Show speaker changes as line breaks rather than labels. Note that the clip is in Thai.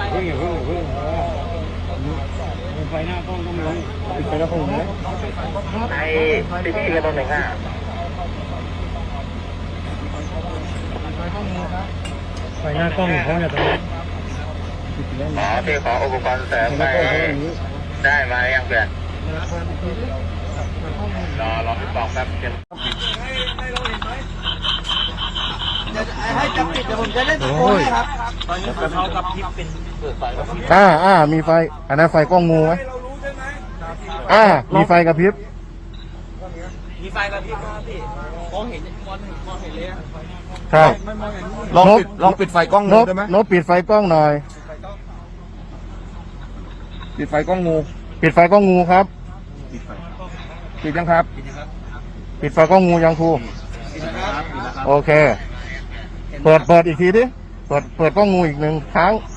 ไฟหน้ากล้องต้องลงปิดไฟแล้วผมเลย
ไอ้พี่กันตรงไหนอ่ะ
ไฟหน้ากล้องของเขาเนี่ยตรงนี้
พี่ขออุปกรณ์เสริมไปได้มายังเพื่อนรอพี่บอกแป๊บเดียว
ให้จับปิดเดี๋ยวผมจะได้ตะโกนครับตอนนี้เขากับพริบเป็นเปิดไฟกับพริบ
มีไฟอันนั้นไฟกล้องงูไหมมีไฟกระพริบ
มีไฟกับพริบครับพี่มองเห็นเลย
ใช่
ลองปิดไฟกล้องงูได้ไหม
นบปิดไฟกล้องหน่อย
ปิดไฟกล้องงู
ปิดไฟกล้องงูครับ
ปิดยังครับ
ปิดไฟกล้องงูยังครูโอเคเปิดอีกทีดิเปิดกล้องงูอีกหนึ่งครั้ง